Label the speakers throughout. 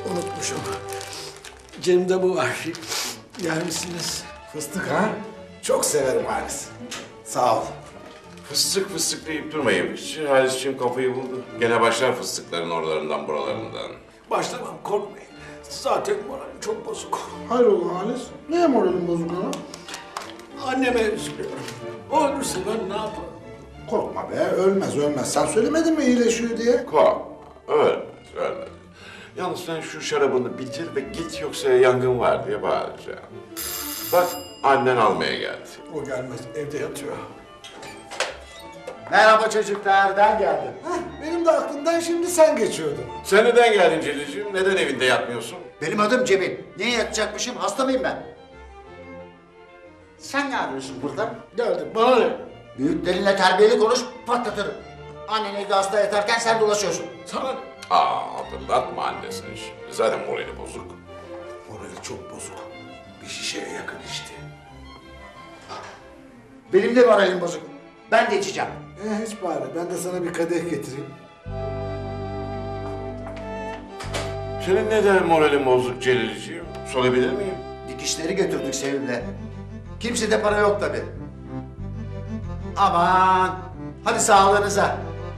Speaker 1: unutmuşum. Cebimde bu var. Yer misiniz?
Speaker 2: Fıstık ha? Çok severim Halis. Sağ ol.
Speaker 3: Fıstık fıstık deyip durmayın. Halis'ciğim kafayı buldu. Gene başlar fıstıkların oralarından buralarından.
Speaker 1: Başlamam, korkmayın. Zaten moralim çok bozuk.
Speaker 4: Hayrola Halis? Neye moralin bozuk ha?
Speaker 1: Anneme üzülüyorum. O ölürse ben ne yaparım?
Speaker 4: Korkma be, ölmez ölmez. Sen söylemedin mi iyileşiyor diye?
Speaker 3: Kork. Ölmez. Yalnız sen şu şarabını bitir ve git yoksa yangın var diye bağıracağım. Bak annen almaya geldi.
Speaker 1: O gelmez, evde yatıyor.
Speaker 2: Merhaba çocuklar, ben geldim.
Speaker 4: Benim de aklımdan şimdi sen geçiyordun.
Speaker 3: Sen neden geldin Celil'ciğim? Neden evinde yatmıyorsun?
Speaker 2: Benim adım Cemil. Niye yatacakmışım? Hasta mıyım ben? Sen ne arıyorsun burada?
Speaker 1: Geldim, bana ne?
Speaker 2: Büyüklerinle terbiyeli konuş, patlatırım. Annen evde hasta yatarken sen dolaşıyorsun.
Speaker 1: Sana ne?
Speaker 3: Hatırlatma annesini şimdi. Zaten morali bozuk.
Speaker 1: Morali çok bozuk. Bir şişeye yakın içti.
Speaker 2: Benim de moralim bozuk. Ben de içeceğim.
Speaker 4: Hiç bari, ben de sana bir kadeh getireyim.
Speaker 3: Senin neden moralin bozuk Celil'ciğim? Sorabilir miyim?
Speaker 2: Dikişleri götürdük Sevim'le. Kimsede para yok tabii. Aman, hadi sağlığınıza.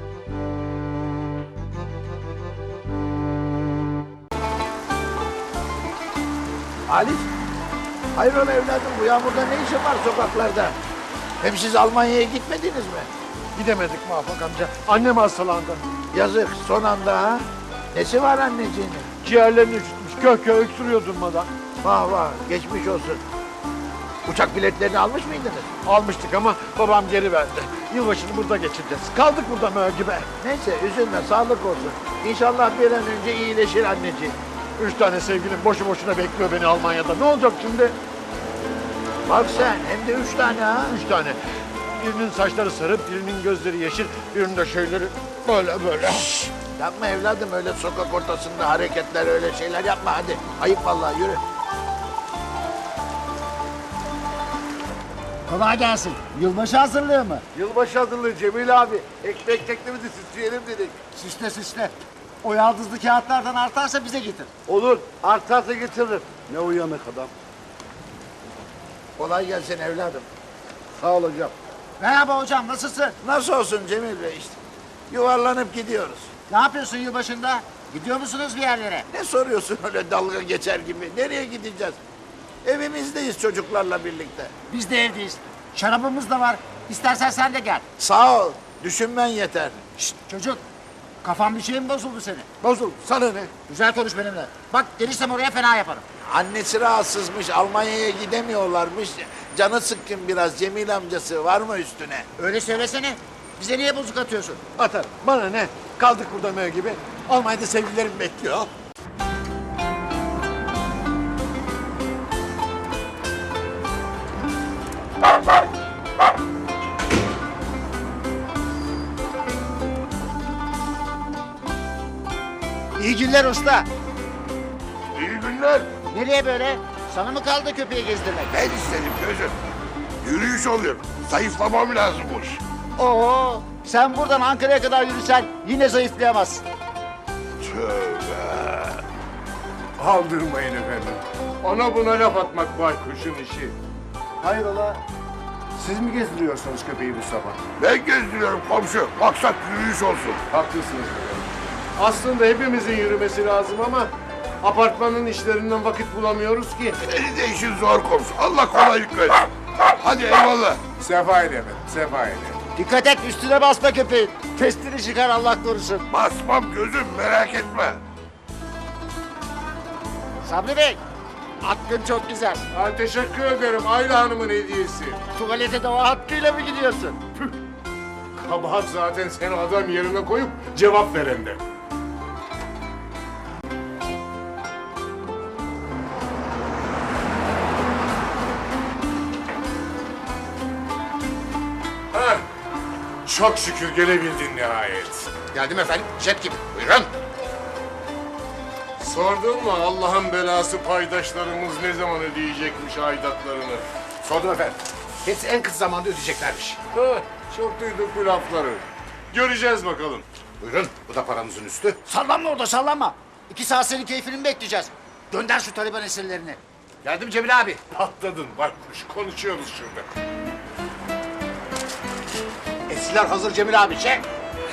Speaker 5: Halis, hayrola evladım bu yağmurda ne işin var sokaklarda? Hem siz Almanya'ya gitmediniz mi?
Speaker 6: Gidemedik Muvaffak amca. Annem hastalandı.
Speaker 5: Yazık son anda ha. Nesi var anneciğinin?
Speaker 6: Ciğerlerini üşütmüş. Kök kök öksürüyor durmadan.
Speaker 5: Vah vah geçmiş olsun. Uçak biletlerini almış mıydınız?
Speaker 6: Almıştık ama babam geri verdi. Yılbaşını burada geçireceğiz. Kaldık burada mögibe.
Speaker 5: Neyse üzülme sağlık olsun. İnşallah bir an önce iyileşir anneciğim.
Speaker 6: 3 tane sevgilim boşu boşuna bekliyor beni Almanya'da. Ne olacak şimdi?
Speaker 5: Bak sen hem de 3 tane ha.
Speaker 6: 3 tane. Birinin saçları sarı, birinin gözleri yeşil, birinin de şeyleri böyle böyle.
Speaker 5: Yapma evladım öyle sokak ortasında hareketler öyle şeyler yapma hadi. Ayıp vallahi yürü.
Speaker 7: Kolay gelsin. Yılbaşı hazırlığı mı?
Speaker 5: Yılbaşı hazırlığı Cemil abi. Ekmek teknemizi süsleyelim dedik.
Speaker 7: Süsle süsle. O yaldızlı kağıtlardan artarsa bize getir.
Speaker 5: Olur. Artarsa getiririm. Ne uyanık adam. Kolay gelsin evladım. Sağ ol hocam.
Speaker 7: Merhaba hocam, nasılsın?
Speaker 5: Nasıl olsun Cemil Bey işte. Yuvarlanıp gidiyoruz.
Speaker 7: Ne yapıyorsun yılbaşında? Gidiyor musunuz bir yerlere?
Speaker 5: Ne soruyorsun öyle dalga geçer gibi? Nereye gideceğiz? Evimizdeyiz çocuklarla birlikte.
Speaker 7: Biz de evdeyiz. Şarabımız da var. İstersen sen de gel.
Speaker 5: Sağ ol. Düşünmen yeter.
Speaker 7: Şşt çocuk. Kafan bir şey mi bozuldu senin?
Speaker 5: Bozul. Sana ne?
Speaker 7: Güzel konuş benimle. Bak gelirsem oraya fena yaparım.
Speaker 5: Annesi rahatsızmış. Almanya'ya gidemiyorlarmış. Canı sıkkın biraz. Cemil amcası var mı üstüne?
Speaker 7: Öyle söylesene. Bize niye bozuk atıyorsun?
Speaker 6: Atar. Bana ne? Kaldık burada mögibe. Almanya'da sevgililerim bekliyor.
Speaker 7: İyi günler usta.
Speaker 5: İyi günler.
Speaker 7: Nereye böyle? Sana mı kaldı köpeği gezdirmek?
Speaker 5: Ben istedim gözüm. Yürüyüş oluyor. Zayıflamam lazımmış.
Speaker 7: Oo, sen buradan Ankara'ya kadar yürüsen yine zayıflayamazsın.
Speaker 5: Tövbe.
Speaker 8: Aldırmayın efendim. Ona buna laf atmak baykuşun işi. Hayrola? Siz mi gezdiriyorsunuz köpeği bu sabah?
Speaker 5: Ben gezdiriyorum komşu. Maksat yürüyüş olsun.
Speaker 8: Haklısınız efendim. Aslında hepimizin yürümesi lazım ama apartmanın işlerinden vakit bulamıyoruz ki.
Speaker 5: Senin de işin zor komşu. Allah kolaylık versin. Hadi eyvallah.
Speaker 8: Sefa ile efendim, sefa ile.
Speaker 7: Dikkat et üstüne basma köpeğin. Testini çıkar Allah korusun.
Speaker 5: Basmam gözüm merak etme.
Speaker 7: Sabri Bey, hakkın çok güzel.
Speaker 8: Ha, teşekkür ederim Ayla Hanım'ın hediyesi.
Speaker 7: Tuvalete de o hakkıyla mı gidiyorsun?
Speaker 8: Kabahat zaten seni adam yerine koyup cevap verende. Heh, çok şükür gelebildin nihayet.
Speaker 5: Geldim efendim. Jet gibi. Buyurun.
Speaker 8: Sordun mu Allah'ın belası paydaşlarımız ne zaman ödeyecekmiş aidatlarını?
Speaker 5: Sordum efendim. Hepsi en kısa zamanda ödeyeceklermiş.
Speaker 8: Heh, çok duyduk bu lafları. Göreceğiz bakalım.
Speaker 5: Buyurun. Bu da paranızın üstü.
Speaker 7: Sallanma orada sallanma. 2 saat senin keyfini mi bekleyeceğiz? Gönder şu Taliban esirlerini.
Speaker 5: Geldim Cemil abi.
Speaker 8: Patladın baykuş. Konuşuyoruz şurada.
Speaker 5: Esirler hazır Cemil abi. Çek.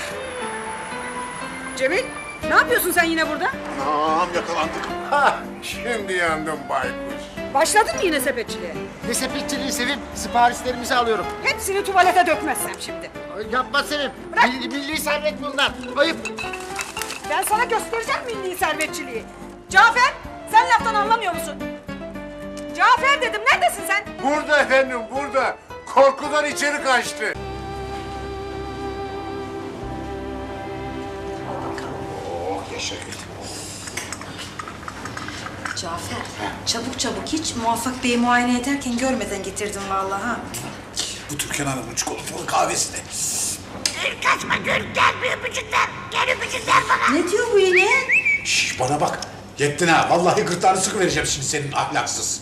Speaker 9: Cemil, ne yapıyorsun sen yine burada?
Speaker 5: Anam yakalandık.
Speaker 8: Şimdi yandım baykuş.
Speaker 9: Başladın mı yine sepetçiliğe?
Speaker 7: Ne sepetçiliği Sevim, siparişlerimizi alıyorum.
Speaker 9: Hepsini tuvalete dökmezsem şimdi.
Speaker 7: Yapma Sevim.
Speaker 9: Bırak.
Speaker 7: Milli servet bunlar. Ayıp.
Speaker 9: Ben sana göstereceğim milli servetçiliği. Cafer, sen laftan anlamıyor musun? Cafer dedim, neredesin sen?
Speaker 8: Burada efendim, burada. Korkudan içeri kaçtı.
Speaker 10: Cafer, çabuk çabuk hiç Muvaffak Bey'i muayene ederken görmeden getirdim vallahi ha.
Speaker 4: Bu Türkan Hanım'ın çikolatalı kahvesine.
Speaker 10: Ne diyor bu yine?
Speaker 4: Şş, bana bak. Yettin ha. Vallahi gırtlağını sıkıvereceğim şimdi senin ahlaksız.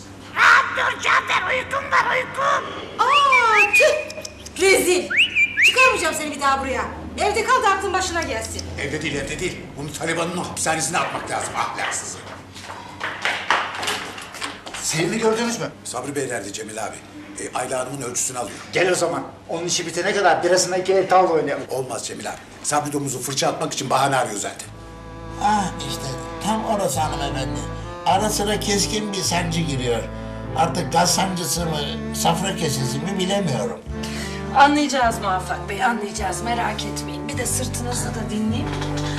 Speaker 10: Aa tüh! Rezil! Çıkarmayacağım seni bir daha buraya. Evde kal da aklın başına gelsin.
Speaker 4: Evde değil, evde değil. Bunu Taliban'ın hapishanesine atmak lazım ahlaksızı.
Speaker 2: Sevim'i gördünüz mü?
Speaker 4: Sabri Bey nerede Cemil abi? Ayla Hanım'ın ölçüsünü alıyor.
Speaker 2: Gel o zaman. Onun işi bitene kadar birasına 2 el tavla oynayalım.
Speaker 4: Olmaz Cemil abi. Sabri domuzu fırça atmak için bahane arıyor zaten.
Speaker 5: Ah işte tam orası hanımefendi. Ara sıra keskin bir sancı giriyor. Artık gaz sancısı mı, safra kesesi mi bilemiyorum.
Speaker 10: Anlayacağız Muvaffak Bey, anlayacağız. Merak etmeyin. Bir de sırtınızı da dinleyin.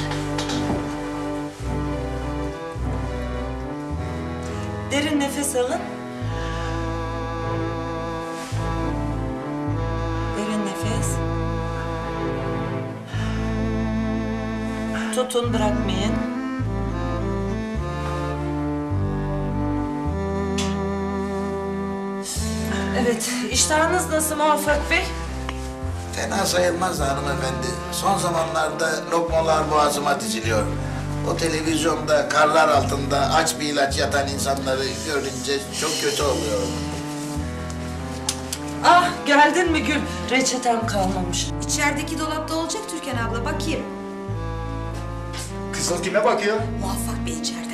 Speaker 10: Derin nefes alın. Derin nefes. Tutun, bırakmayın. Evet, iştahınız nasıl Muvaffak Bey?
Speaker 5: Fena sayılmaz da hanımefendi. Son zamanlarda lokmalar boğazıma diziliyor. O televizyonda karlar altında aç bir ilaç yatan insanları görünce çok kötü oluyor.
Speaker 10: Ah, geldin mi Gül? Reçetem kalmamış.
Speaker 11: İçerideki dolapta olacak Türkan abla, bakayım.
Speaker 2: Kızıl kime bakıyor?
Speaker 11: Muvaffak Bey içeride.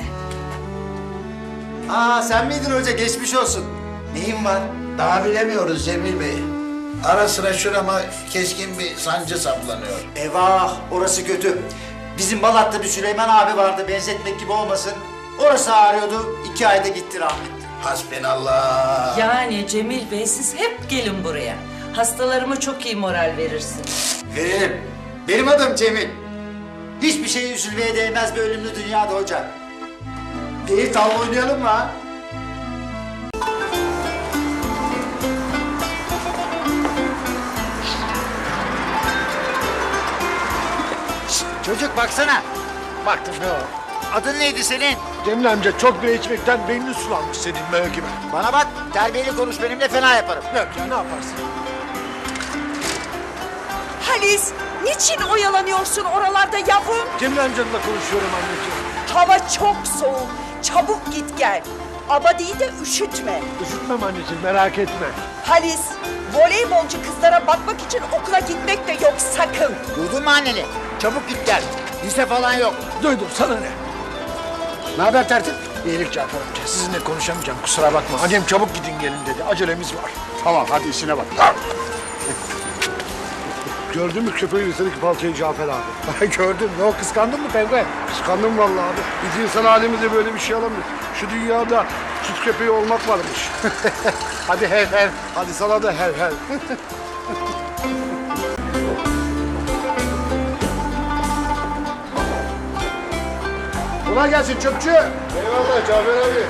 Speaker 2: Aa sen miydin hoca? Geçmiş olsun. Neyin var?
Speaker 5: Daha bilemiyoruz Cemil Bey. Ara sıra şurama keskin bir sancı saplanıyor.
Speaker 2: Eyvah, orası kötü. Bizim Balat'ta bir Süleyman abi vardı, benzetmek gibi olmasın. Orası ağrıyordu, 2 ayda gitti rahmetli.
Speaker 5: Hasbinallah.
Speaker 10: Yani Cemil Bey siz hep gelin buraya. Hastalarıma çok iyi moral verirsiniz.
Speaker 2: Veririm. Benim adım Cemil. Hiçbir şeye üzülmeye değmez bir ölümlü dünyada hoca. Gelip tavla oynayalım mı ha? Çocuk baksana.
Speaker 5: Baktım ne o?
Speaker 2: Adın neydi senin?
Speaker 6: Cemil amca çok bira içmekten beynin sulanmış senin mö gibi.
Speaker 2: Bana bak, terbiyeli konuş benimle, fena yaparım.
Speaker 6: Ne yapacaksın, ne yaparsın?
Speaker 9: Halis, niçin oyalanıyorsun oralarda yavrum?
Speaker 6: Cemil amcanla konuşuyorum anneciğim.
Speaker 9: Hava çok soğuk, çabuk git gel. Abadiyi de üşütme.
Speaker 6: Üşütmem anneciğim, merak etme.
Speaker 9: Halis, voleybolcu kızlara bakmak için okula gitmek de yok sakın.
Speaker 2: Duydun mu anneni? Çabuk git gel. Lise falan yok.
Speaker 6: Duydum, sana ne? Ne haber tertip? İyilik Cafer amca, sizinle konuşamayacağım, kusura bakma. Annem çabuk gidin gelin dedi, acelemiz var.
Speaker 8: Tamam, hadi işine bak.
Speaker 6: Gördün mü köpeğin üstündeki paltoyu Cafer abi? Gördüm, ne o kıskandın mı penguen?
Speaker 8: Kıskandım vallahi abi. Biz insan halimizde böyle bir şey alamıyoruz. Şu dünyada süt köpeği olmak varmış.
Speaker 6: Hadi hev hev, hadi sana da hev hev.
Speaker 8: Kolay gelsin çöpçü. Eyvallah Cafer abi.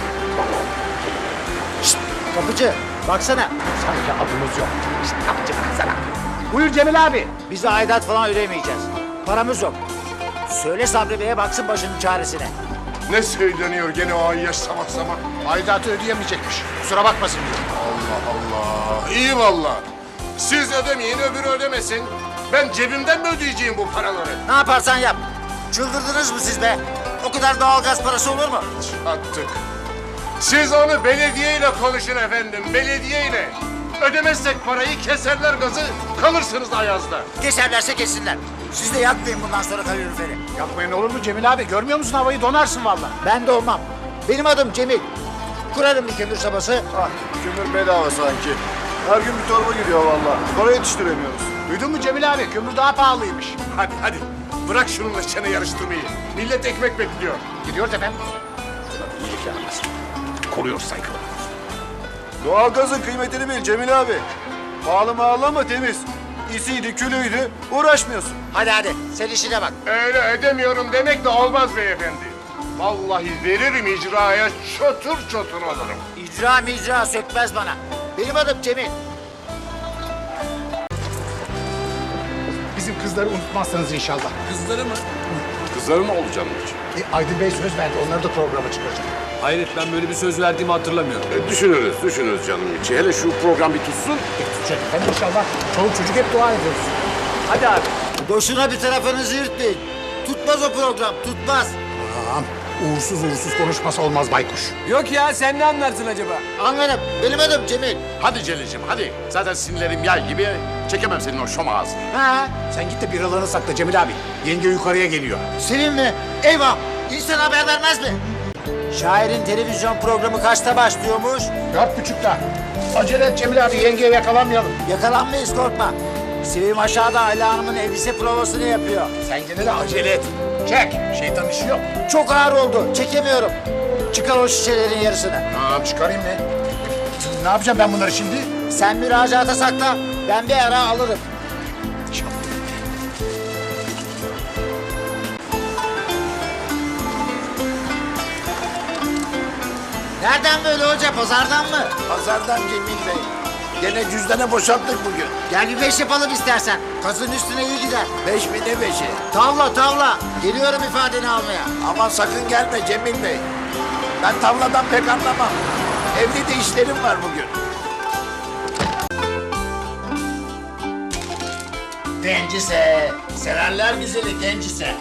Speaker 2: Kapıcı, baksana.
Speaker 6: Sanki adımız yok.
Speaker 2: İşte kapıcı baksana. Buyur Cemil abi. Biz de aidat falan ödemeyeceğiz. Paramız yok. Söyle Sabri Bey'e baksın başının çaresine.
Speaker 8: Ne söyleniyor gene o ayyaş sabah sabah.
Speaker 6: Aidatı ödeyemeyecekmiş. Kusura bakmasın diyor.
Speaker 8: Allah Allah. İyi valla. Siz ödemeyin öbürü ödemesin. Ben cebimden mi ödeyeceğim bu paraları?
Speaker 2: Ne yaparsan yap. Çıldırdınız mı siz be? O kadar doğalgaz parası olur mu?
Speaker 8: Attık. Siz onu belediyeyle konuşun efendim, belediyeyle. Ödemezsek parayı keserler gazı, kalırsınız ayazda.
Speaker 2: Keserlerse kessinler. Siz de yakmayın bundan sonra kaloriferi.
Speaker 6: Yapmayın olur mu Cemil abi? Görmüyor musun havayı? Donarsın vallahi.
Speaker 2: Ben de olmam. Benim adım Cemil. Kurarım bir kömür sobası.
Speaker 8: Ah, kömür bedava sanki. Her gün bir torba gidiyor vallahi. Para yetiştiremiyoruz.
Speaker 6: Duydun mu Cemil abi? Kömür daha pahalıymış. Hadi hadi. Bırak şununla çene yarıştırmayı. Millet ekmek bekliyor. Gidiyoruz efendim. İyilik yaramaz. Koruyoruz saygılı.
Speaker 8: Doğalgazın kıymetini bil Cemil abi. Pahalı mağalı ama temiz. İsiydi, külüydü. Uğraşmıyorsun.
Speaker 2: Hadi sen işine bak.
Speaker 8: Öyle edemiyorum demek de olmaz beyefendi. Vallahi veririm icraya çatır çatır alırım.
Speaker 2: İcra sökmez bana. Benim adım Cemil.
Speaker 6: Bizim kızları unutmazsanız inşallah.
Speaker 3: Kızların mı oldu canım için?
Speaker 6: Aydın Bey söz verdi. Onları da programa çıkaracak.
Speaker 1: Hayret ben böyle bir söz verdiğimi hatırlamıyorum.
Speaker 3: Düşünürüz canım içi. Hele şu program bir tutsun.
Speaker 6: Tutacak efendim inşallah. Çoluk çocuk hep dua ediyoruz.
Speaker 1: Hadi abi.
Speaker 2: Boşuna bir tarafınızı yırtmayın. Tutmaz o program, tutmaz.
Speaker 6: Tamam. Uğursuz konuşması olmaz baykuş.
Speaker 1: Yok ya sen ne anlarsın acaba?
Speaker 2: Anlarım. Benim adım Cemil.
Speaker 3: Hadi Celil'ciğim hadi. Zaten sinirlerim yay gibi. Çekemem senin o şom ağzını.
Speaker 2: Ha?
Speaker 6: Sen git de biralarını sakla Cemil abi. Yenge yukarıya geliyor.
Speaker 2: Senin mi? Eyvah! İnsan haber vermez mi? Şairin televizyon programı kaçta başlıyormuş?
Speaker 6: 4.30'da. Acele et Cemil abi. Yengeye yakalanmayalım.
Speaker 2: Yakalanmayız korkma. Sevim aşağıda Ayla Hanım'ın elbise provasını yapıyor.
Speaker 6: Sen gene de acele et. Çek. Şeytan işi yok.
Speaker 2: Çok ağır oldu. Çekemiyorum. Çıkar o şişelerin yarısını.
Speaker 6: Tamam çıkarayım mı? Ne yapacağım ben bunları şimdi?
Speaker 2: Sen müracaata sakla. Ben bir ara alırım. Nereden böyle hoca? Pazardan mı?
Speaker 5: Pazardan Cemil Bey. Gene cüzdanı boşalttık bugün.
Speaker 2: Gel bir 5 yapalım istersen. Kazın üstüne iyi gider.
Speaker 5: 5 mi ne 5'i?
Speaker 2: Tavla. Geliyorum ifadeni almaya.
Speaker 5: Ama sakın gelme Cemil Bey. Ben tavladan pek anlamam. Evde de işlerim var bugün.
Speaker 2: Gencise. Severler güzeli gencise.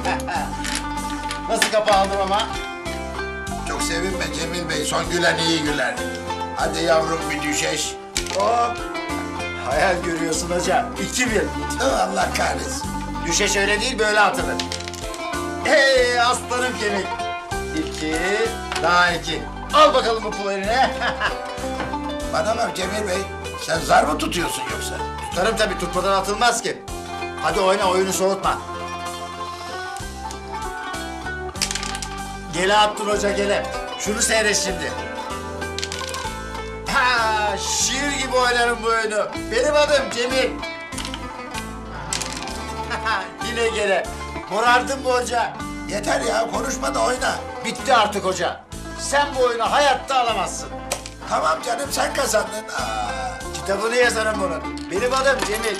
Speaker 2: Nasıl kapı aldım ama?
Speaker 5: Çok sevinme Cemil Bey. Son gülen iyi güler. Hadi yavrum bir düşeş.
Speaker 2: Hop. Hayal görüyorsun hocam. 2-1.
Speaker 5: Tüh, Allah kahretsin.
Speaker 2: Düşeş öyle değil böyle atılır. Hey aslanım kemik. 2, daha 2. Al bakalım bu pulu eline.
Speaker 5: Bana bak Cemil Bey. Sen zar mı tutuyorsun yoksa?
Speaker 2: Tutarım tabii tutmadan atılmaz ki. Hadi oyna oyunu soğutma. Gele attın hoca gele. Şunu seyret şimdi. Ha, şiir gibi oynarım bu oyunu. Benim adım Cemil. Yine gele. Morardın mı hoca?
Speaker 5: Yeter ya konuşma da oyna.
Speaker 2: Bitti artık hoca. Sen bu oyunu hayatta alamazsın.
Speaker 5: Tamam canım sen kazandın. Aa.
Speaker 2: Kitabını yazarım bunun. Benim adım Cemil.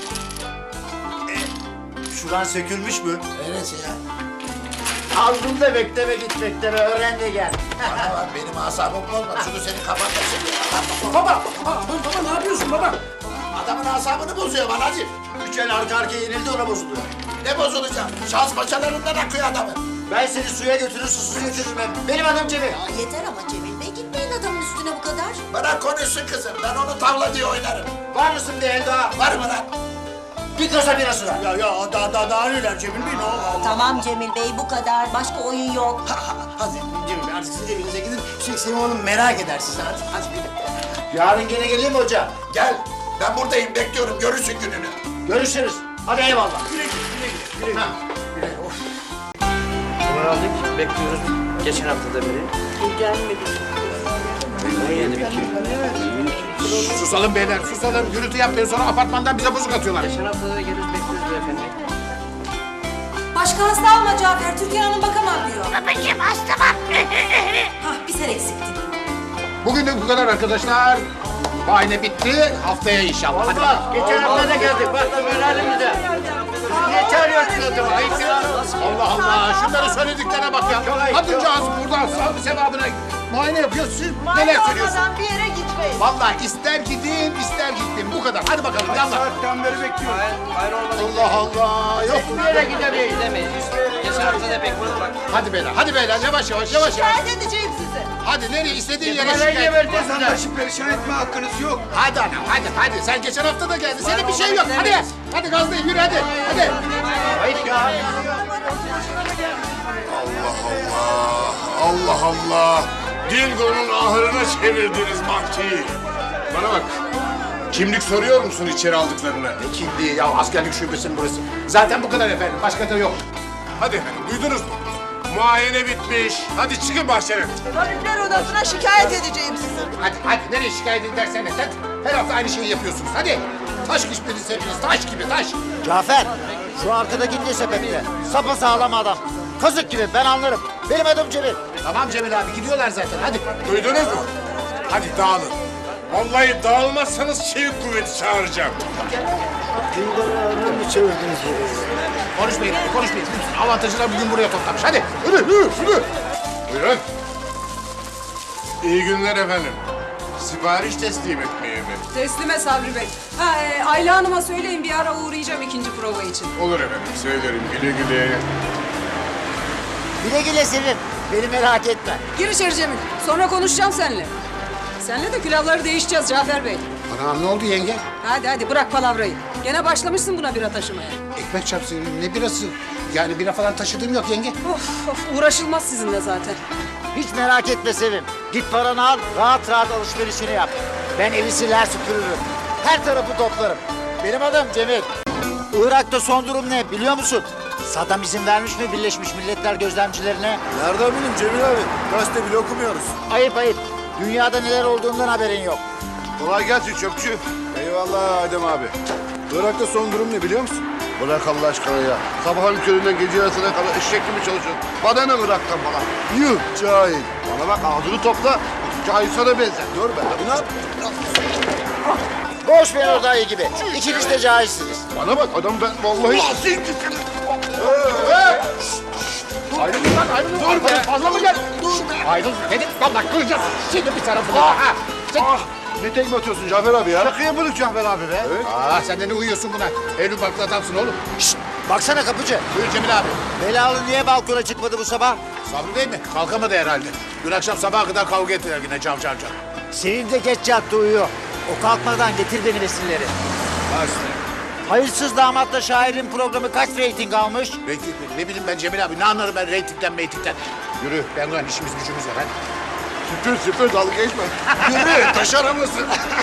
Speaker 2: Şuran sökülmüş mü?
Speaker 5: Neresi ya?
Speaker 2: Aldım da bekleme git bekleme öğren de gel.
Speaker 5: Bana bak benim asabım bozma. Şunu senin kafanda şimdi.
Speaker 2: Baba ne yapıyorsun baba?
Speaker 5: Adamın asabını bozuyor anacığım.
Speaker 2: 3 el arka arkaya yenildi ona bozuluyor.
Speaker 5: Ne bozulacak? Şans paçalarından akıyor adamın.
Speaker 2: Ben seni suya götürür susuz götürürüm hem. Benim adım Cemil.
Speaker 10: Yeter ama Cemil Bey gitmeyin adamın üstüne bu kadar.
Speaker 5: Bana konuşsun kızım. Ben onu tavla diye oynarım.
Speaker 2: Var mısın bir el daha?
Speaker 5: Var mı lan?
Speaker 2: Bir kasa birası ver.
Speaker 1: Ya daha neler Cemil Bey ne oldu?
Speaker 10: Tamam Cemil Bey bu kadar. Başka oyun yok.
Speaker 1: Hadi Cemil Bey artık siz evinize gidin. Sevim Hanım merak eder sizi hadi gidin.
Speaker 2: Yarın gene geleyim mi hoca?
Speaker 5: Gel. Ben buradayım bekliyorum. Görürsün gününü.
Speaker 2: Görüşürüz. Hadi eyvallah.
Speaker 1: Numara aldık bekliyoruz geçen haftada beri. Gelmedi.
Speaker 6: Susalım beyler susalım. Gürültü yapmayın sonra apartmandan bize bozuk atıyorlar.
Speaker 1: Geçen haftada da geliriz bekliyoruz beyefendi.
Speaker 10: Başka hasta alma Cafer. Türkan Hanım bakamam diyor. Babacığım hasta var. Hah bir sen eksiktin.
Speaker 6: Bugün de bu kadar arkadaşlar. Bahane bitti. Haftaya inşallah. Hadi bak.
Speaker 2: Geçen hafta da geldik. Bak da böyle halimizde. Niye çağırıyorsun adamı? Ayıp ya.
Speaker 6: Allah Allah. Şunları söylediklerine bak ya. Kadıncağız buradan sağlık sevabına muayene yapıyor. Siz neler söylüyorsunuz?
Speaker 9: bir yere gitmeyin.
Speaker 6: Vallahi ister gidin ister gittim. Bu kadar. Hadi bakalım. Yallah.
Speaker 1: Saatten beri bekliyoruz. Hayır olmadı.
Speaker 6: Allah Allah. Yok.
Speaker 2: Bir yere gidemeyiz.
Speaker 1: Gidemeyiz. Geçen haftada bekliyoruz bak.
Speaker 6: Hadi beyler. Hadi beyler. Yavaş yavaş. Yavaş yavaş.
Speaker 9: Şikayet edeceğim sizi.
Speaker 6: Hadi nereye istediğin yere şikayet et.
Speaker 2: Vatandaşı perişan etme hakkınız yok.
Speaker 6: Hadi anam hadi. Sen geçen hafta da geldin. Senin bir şey yok. Hadi gazlayın yürü hadi. Hadi. Allah Allah. Dingo'nun ahırına çevirdiniz bankçıyı. Bana bak. Kimlik soruyor musun içeri aldıklarına?
Speaker 4: Ne kimliği ya, askerlik şubesinin burası. Zaten bu kadar efendim, başka da yok.
Speaker 6: Hadi efendim duydunuz mu? Muayene bitmiş. Hadi çıkın bahçene.
Speaker 9: Tabipler odasına şikayet edeceğim sizi.
Speaker 6: Hadi nereye şikayet edersen et. Her hafta aynı şeyi yapıyorsunuz. Hadi. Taş gibisiniz hepiniz. Taş gibi taş.
Speaker 7: Cafer, şu arkadaki ne sebeple? Sapasağlam adam. Kazık gibi, ben anlarım. Benim adım Cemil.
Speaker 4: Tamam Cemil abi, gidiyorlar zaten, hadi.
Speaker 6: Duydunuz mu? Hadi dağılın. Vallahi dağılmazsanız çevik kuvveti çağıracağım.
Speaker 4: Konuşmayın abi, konuşmayın. Bütün avantajını bugün buraya toplamış, hadi. Yürü.
Speaker 6: Buyurun. İyi günler efendim. Sipariş teslim etmeye mi?
Speaker 10: Teslime Sabri Bey. Ayla Hanım'a söyleyin bir ara uğrayacağım ikinci prova için.
Speaker 6: Olur efendim söylerim. Güle güle.
Speaker 7: Güle güle Sevim, beni merak etme.
Speaker 10: Gir içeri Cemil. Sonra konuşacağım seninle. Seninle de külahları değişeceğiz Cafer Bey.
Speaker 4: Anam ne oldu yenge?
Speaker 10: Hadi bırak palavrayı. Gene başlamışsın buna bira taşımaya.
Speaker 4: Ekmek çarpsın, ne birası? Yani bira falan taşıdığım yok yenge.
Speaker 10: Of uğraşılmaz sizinle zaten.
Speaker 7: Hiç merak etme Sevim. Git paranı al, rahat rahat alışverişini yap. Ben evi siler süpürürüm. Her tarafı toplarım. Benim adım Cemil. Irak'ta son durum ne biliyor musun? Saddam izin vermiş mi Birleşmiş Milletler gözlemcilerine?
Speaker 8: Nereden bileyim Cemil abi? Gazete bile okumuyoruz.
Speaker 7: Ayıp. Dünyada neler olduğundan haberin yok.
Speaker 8: Kolay gelsin çöpçü. Eyvallah Adem abi. Irak'ta son durum ne biliyor musun? Bırak Allah aşkına ya. Sabahın köründen gece yarısına kadar eşek gibi çalışıyorsun. Bana ne Irak'tan falan? Yuh cahil. Bana bak ağzını topla. Cahil sana benzer. Dur be abi ne yap?
Speaker 7: Boş ver o dayı gibi. İkiniz de cahilsiniz.
Speaker 8: Bana bak adam ben vallahi...
Speaker 4: Ayrılın. Dur be, fazla mı gel? Dur be. Ayrıl dedim, vallahi kıracağız. Şimdi bir tarafını.
Speaker 8: Ne tekme atıyorsun Cafer abi ya? Şaka yapıyorduk Cafer abi be. Evet.
Speaker 4: Sen de ne uyuyorsun buna? Evli barklı adamsın oğlum.
Speaker 7: Şşt, baksana kapıcı.
Speaker 4: Buyur Cemil abi.
Speaker 7: Belalı niye balkona çıkmadı bu sabah?
Speaker 4: Sabri değil mi? Kalkamadı herhalde. Dün akşam sabaha kadar kavga ettiler yine cav.
Speaker 7: Sevim de geç yattı uyuyor. O kalkmadan getir beni resimleri. Hayırsız damatla şairin programı kaç reyting almış?
Speaker 4: Reyting mi? Ne bileyim ben Cemil abi. Ne anlarım ben reytingden meytingden. Yürü. Ben ulan işimiz gücümüz var hadi.
Speaker 8: Süpür dalga geçme.
Speaker 6: Yürü taş arabası.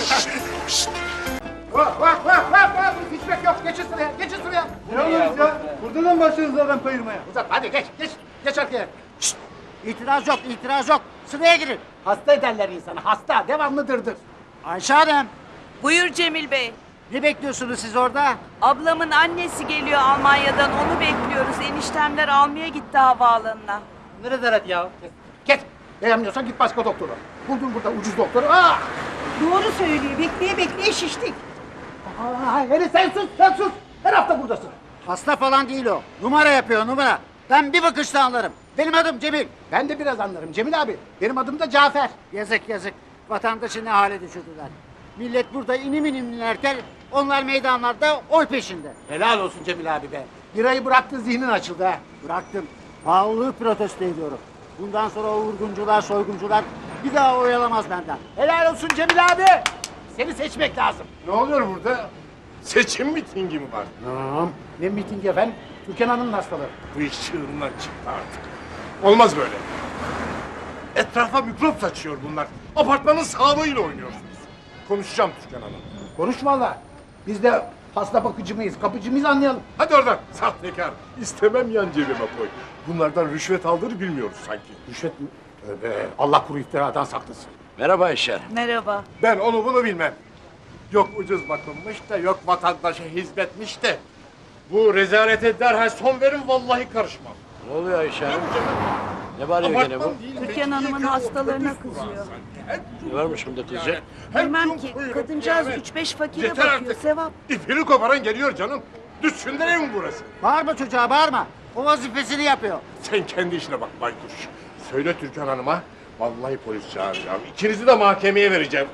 Speaker 4: Hiçbir yok. Geçin sıraya.
Speaker 8: Ne oluyoruz ya? Burada da mı başladınız adam kayırmaya?
Speaker 4: Uzat hadi geç arkaya.
Speaker 7: İtiraz yok. Sıraya girin.
Speaker 4: Hasta ederler insanı. Hasta. Devamlı dırdır.
Speaker 7: Ayşe Hanım,
Speaker 9: Buyur Cemil Bey.
Speaker 7: ne bekliyorsunuz siz orada?
Speaker 9: Ablamın annesi geliyor Almanya'dan, onu bekliyoruz. Eniştemler almaya gitti havaalanına.
Speaker 4: Git. Beğenmiyorsan git başka doktora. Buldun burada ucuz doktoru.
Speaker 9: Doğru söylüyor. Bekleye şiştik.
Speaker 4: Hele sen sus. Her hafta buradasın.
Speaker 7: Hasta falan değil o. Numara yapıyor numara. Ben bir bakışta anlarım. Benim adım Cemil.
Speaker 4: Ben de biraz anlarım Cemil abi. Benim adım da Cafer.
Speaker 7: Yazık. Vatandaşı ne hale düşürdüler. Millet burada inim inlerken onlar meydanlarda oy peşinde.
Speaker 4: Helal olsun Cemil abi be. Birayı bıraktın zihnin açıldı ha.
Speaker 7: Bıraktım. Pahalılığı protesto ediyorum. Bundan sonra o vurguncular, soyguncular bir daha oyalamaz benden.
Speaker 4: Helal olsun Cemil abi. Seni seçmek lazım.
Speaker 6: Ne oluyor burada? Seçim mitingi mi var?
Speaker 4: Ne mitingi efendim? Türkan Hanım'ın hastalığı.
Speaker 6: Bu iş çığırından çıktı artık. Olmaz böyle. Etrafa mikrop saçıyor bunlar. Apartmanın sağlığıyla oynuyorsunuz. Konuşacağım Türkan Hanım.
Speaker 4: Konuş valla. Biz de hasta bakıcı mıyız, kapıcı mıyız anlayalım.
Speaker 6: Hadi oradan sahtekar. İstemem yan cebime koy. Bunlardan rüşvet aldığını bilmiyoruz sanki.
Speaker 4: Rüşvet mi? Tövbe. Allah kuru iftiradan saklasın.
Speaker 8: Merhaba Ayşe.
Speaker 9: Merhaba.
Speaker 6: Ben onu bunu bilmem. Yok ucuz bakılmış da yok vatandaşa hizmetmiş de. Bu rezalete derhal son verin vallahi karışmam.
Speaker 8: Ne oluyor Ayşe? Ne bağırıyor gene bu?
Speaker 9: Türkan Hanım'ın hastalarına kızıyor.
Speaker 8: Ne varmış bunda teyze?
Speaker 9: Bilmem ki, kadıncağız 3-5 fakire
Speaker 6: Yeter
Speaker 9: bakıyor,
Speaker 6: artık.
Speaker 9: sevap.
Speaker 6: İpini koparan geliyor canım. Düşsünler ev mi burası?
Speaker 7: Bağırma çocuğa bağırma. O vazifesini yapıyor.
Speaker 6: Sen kendi işine bak baykuş. Söyle Türkan Hanım'a. Vallahi polis çağıracağım. İkinizi de mahkemeye vereceğim.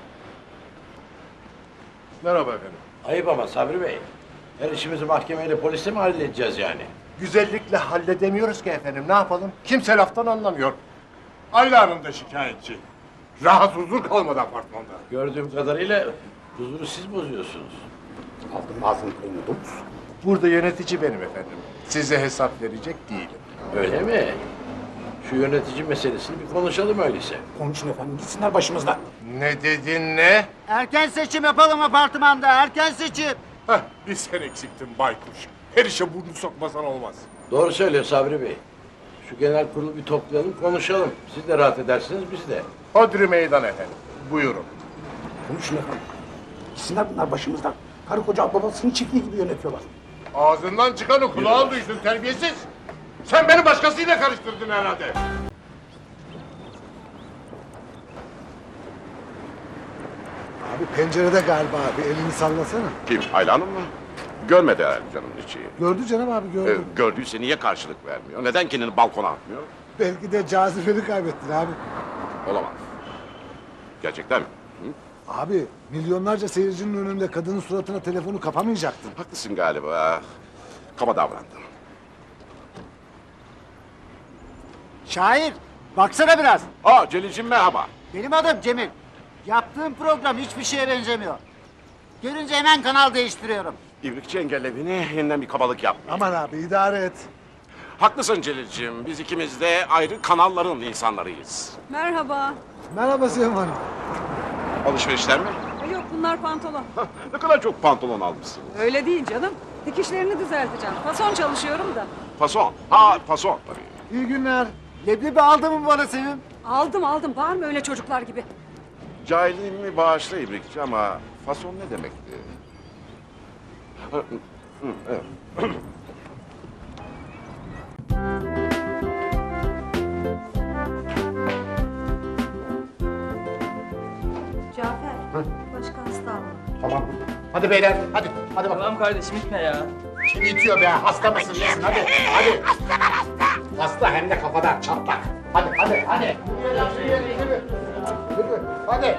Speaker 6: Merhaba efendim.
Speaker 8: Ayıp ama Sabri Bey. Her işimizi mahkemeyle polisle mi halledeceğiz yani?
Speaker 6: Güzellikle halledemiyoruz ki efendim. Ne yapalım? Kimse laftan anlamıyor. Ayla Hanım da şikayetçi. Rahat huzur kalmadı apartmanda.
Speaker 12: Gördüğüm kadarıyla huzuru siz bozuyorsunuz.
Speaker 6: Aldım ağzını payını domuz. Burada yönetici benim efendim. Size hesap verecek değilim.
Speaker 12: Öyle mi? Şu yönetici meselesini bir konuşalım öyleyse.
Speaker 4: Konuşun efendim gitsinler başımızdan.
Speaker 6: Ne dedin ne?
Speaker 7: Erken seçim yapalım apartmanda. Erken seçim.
Speaker 6: Heh, bir sen eksiktin baykuş. Her işe burnunu sokmasan olmaz.
Speaker 12: Doğru söylüyor Sabri Bey. Şu genel kurulu bir toplayalım, konuşalım. Siz de rahat edersiniz, biz de.
Speaker 6: Hodri meydan efendim. Buyurun.
Speaker 4: Konuşun efendim. Gitsinler bunlar başımızdan. Karı koca babasının çiftliği gibi yönetiyorlar.
Speaker 6: Ağzından çıkanı kulağın duysun terbiyesiz. Sen beni başkasıyla karıştırdın herhalde.
Speaker 8: Abi pencerede galiba abi. Elini sallasana.
Speaker 3: Kim? Ayla Hanım mı? Görmedi herhalde canım içi.
Speaker 8: Gördü canım abi gördü.
Speaker 3: Gördüyse niye karşılık vermiyor? Neden kendini balkona atmıyor?
Speaker 8: Belki de cazibeni kaybettin abi.
Speaker 3: Olamaz. Gerçekten mi? Hı?
Speaker 8: Abi milyonlarca seyircinin önünde kadının suratına telefonu kapamayacaktın.
Speaker 3: Haklısın galiba. Kaba davrandım.
Speaker 7: Şair, baksana biraz.
Speaker 3: Aa Celil'cim merhaba.
Speaker 7: Benim adım Cemil. Yaptığım program hiçbir şeye benzemiyor. Görünce hemen kanal değiştiriyorum.
Speaker 3: İbrikçi engellediğini yeniden bir kabalık yap.
Speaker 8: Aman abi idare et.
Speaker 3: Haklısın Celil'cim. Biz ikimiz de ayrı kanalların insanlarıyız.
Speaker 10: Merhaba.
Speaker 8: Merhaba Sevim Hanım.
Speaker 3: Alışverişler mi?
Speaker 10: Yok bunlar pantolon.
Speaker 3: Ne kadar çok pantolon almışsın.
Speaker 10: Öyle değil canım. Dikişlerini düzelteceğim. Fason çalışıyorum da.
Speaker 3: Fason. Ha fason tabii.
Speaker 8: İyi günler.
Speaker 7: Leblebi aldı mı bana Sevim?
Speaker 10: Aldım. Var mı öyle çocuklar gibi?
Speaker 3: Cahilliğimi bağışla İbrikçi ama fason ne demekti? Evet.
Speaker 11: Cafer, başka hasta alma.
Speaker 1: Tamam. Hadi beyler, hadi. Hadi bakalım.
Speaker 13: Tamam kardeşim gitme ya.
Speaker 1: Kim itiyor be? Hasta mısın nesin? Hadi, hadi. Hasta hem de kafadan çatlak. Hadi. Yürü. Hadi.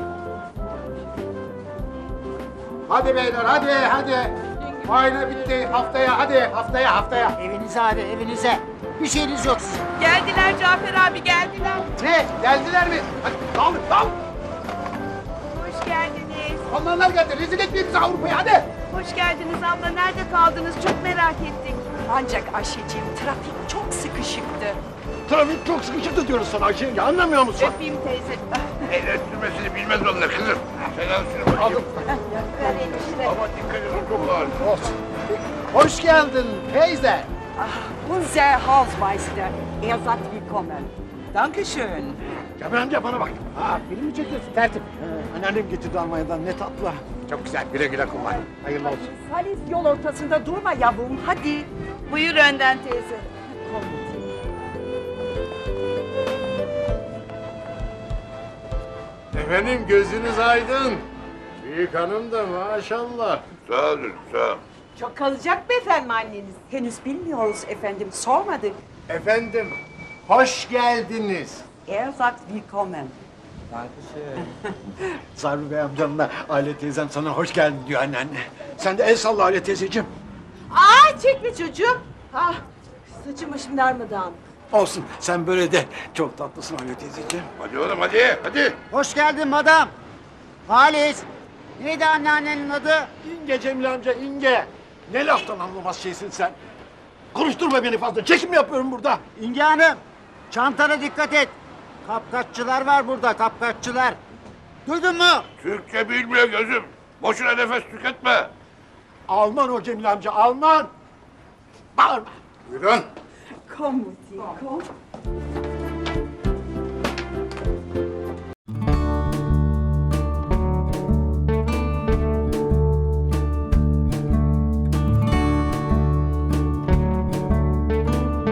Speaker 1: Hadi beyler, hadi. Ayna bitti. Haftaya.
Speaker 7: Evinize hadi, evinize. Bir şeyiniz yok sizin.
Speaker 9: Geldiler Cafer abi geldiler.
Speaker 1: Ne? Geldiler mi? Hadi dal.
Speaker 9: Hoş geldiniz.
Speaker 1: Onlarlar geldi. Rezil etmeyin bizi Avrupa'ya hadi.
Speaker 9: Hoş geldiniz abla. Nerede kaldınız? Çok merak ettik. Ancak Ayşeciğim trafik çok sıkışıktı.
Speaker 6: Trafik çok sıkışıktı diyoruz sana Ayşe. Ya anlamıyor musun?
Speaker 9: Öpeyim teyze.
Speaker 6: El sürmesini bilmez onlar kızım. Selam sürme. Aldım.
Speaker 9: Ver enişte.
Speaker 6: Ama dikkat edin çok ağır. Olsun.
Speaker 1: Hoş geldin teyze.
Speaker 9: Unser Hausmeister. Er sagt willkommen. Dankeschön.
Speaker 6: Cemil amca bana bak.
Speaker 1: Ha, film mi çekiyorsun? Tertip.
Speaker 8: Anneannem getirdi Almanya'dan ne tatlı.
Speaker 1: Çok güzel. Güle güle kullan. Hayırlı olsun.
Speaker 9: Halis yol ortasında durma yavrum. Hadi. Buyur önden teyze.
Speaker 6: Efendim gözünüz aydın. Büyük hanım da maşallah. Sağ olun, sağ olun.
Speaker 9: Çok kalacak mı efendim anneniz? Henüz bilmiyoruz efendim. Sormadık.
Speaker 6: Efendim, hoş geldiniz.
Speaker 9: Er sagt willkommen.
Speaker 8: Sarbi Bey amcamla Aile teyzem sana hoş geldin diyor anneanne. Sen de el salla Aile teyzeciğim.
Speaker 9: Ay çekme çocuğum. Ah, saçım başım darmadağın.
Speaker 8: Olsun sen böyle de çok tatlısın Aile teyzeciğim.
Speaker 6: Hadi oğlum hadi.
Speaker 7: Hoş geldin madam. Halis. Neydi anneannenin adı?
Speaker 8: İnge Cemil amca İnge. Ne laftan anlamaz şeysin sen. Konuşturma beni fazla. Çekim yapıyorum burada.
Speaker 7: İnge Hanım. Çantana dikkat et. Kapkaççılar var burada, kapkaççılar. Duydun mu?
Speaker 6: Türkçe bilmiyor gözüm. Boşuna nefes tüketme.
Speaker 8: Alman o Cemil amca Alman. Bağırma.
Speaker 6: Buyurun.
Speaker 9: Komm, Mutti, komm.